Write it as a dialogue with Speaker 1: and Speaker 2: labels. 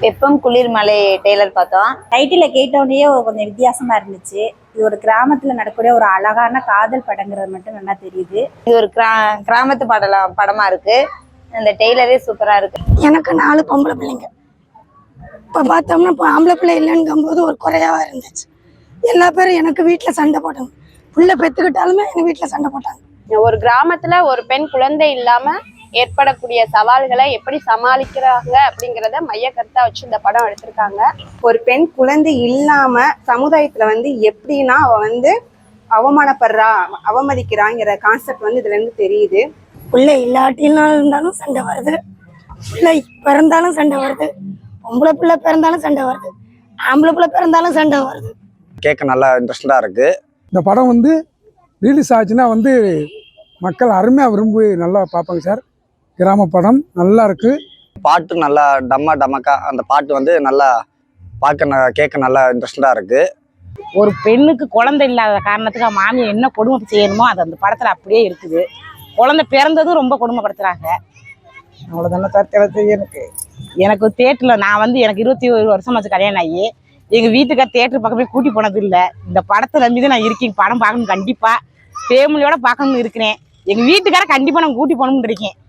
Speaker 1: வெப்பம் குளிர் மலை டெய்லர் பார்த்தோம்.
Speaker 2: டைட்டில கேட்டோடனே கொஞ்சம் வித்தியாசமா இருந்துச்சு. இது ஒரு கிராமத்துல நடக்கக்கூடிய ஒரு அழகான காதல் படங்கிறது மட்டும் நல்லா தெரியுது.
Speaker 1: இது ஒரு கிராமத்து படமா இருக்கு. அந்த டெய்லரே சூப்பரா இருக்கு.
Speaker 3: எனக்கு 4 பொம்பளை பிள்ளைங்க. இப்போ பார்த்தோம்னா இப்போ ஆம்பளை பிள்ளை இல்லைங்கும்போது ஒரு குறையாவா இருந்துச்சு. எல்லா பேரும் எனக்கு வீட்டில் சண்டை போட்டாங்க. பிள்ளை பெற்றுக்கிட்டாலுமே எங்கள் வீட்டில் சண்டை போட்டாங்க.
Speaker 4: ஒரு கிராமத்துல ஒரு பெண் குழந்தை இல்லாம ஏற்படக்கூடிய சவால்களை எப்படி சமாளிக்கிறாங்க அப்படிங்கிறத மைய கருத்தா வச்சு இந்த படம் எடுத்திருக்காங்க.
Speaker 5: ஒரு பெண் குழந்தை இல்லாம சமுதாயத்துல எப்படின்னா அவ அவமானப்படுறா, அவமதிக்கிறாங்கிற கான்செப்ட் இதுல இருந்து தெரியுது.
Speaker 3: பிள்ளை இல்லாட்டினாலும் இருந்தாலும் சண்டை வருது, பிள்ளை பிறந்தாலும் சண்டை வருது, பொம்பளை பிள்ளை பிறந்தாலும் சண்டை வருது, ஆம்பளை பிள்ளை பிறந்தாலும் சண்டை வருது.
Speaker 6: கேட்க நல்லா இன்ட்ரெஸ்டா இருக்கு.
Speaker 7: இந்த படம் ரிலீஸ் ஆச்சுன்னா மக்கள் அருமையாக விரும்பி நல்லா பார்ப்பாங்க சார். கிராம படம் நல்லா இருக்கு.
Speaker 6: பாட்டு நல்லா டமக்கா அந்த பாட்டு நல்லா கேட்க நல்லா இன்ட்ரெஸ்டா இருக்கு.
Speaker 8: ஒரு பெண்ணுக்கு குழந்தை இல்லாத காரணத்துக்கு மாமியை என்ன கொடுமை செய்யணுமோ அது அந்த படத்துல அப்படியே இருக்குது. குழந்தை பிறந்ததும் ரொம்ப கொடுமைப்படுத்துறாங்க. அவ்வளோதானே சார். எனக்கு தேட்டரில் நான் எனக்கு 21 வருஷம் ஆச்சு கல்யாணம் ஆகி. எங்கள் வீட்டுக்கார் தேட்டர் பக்கமே கூட்டி போனது இல்லை. இந்த படத்தை நம்பி தான் நான் இருக்கேன். படம் பார்க்கணும், கண்டிப்பாக ஃபேமிலியோட பார்க்கணும்னு இருக்கிறேன். எங்கள் வீட்டுக்கார கண்டிப்பாக நான் கூட்டி போகணும்னு இருக்கேன்.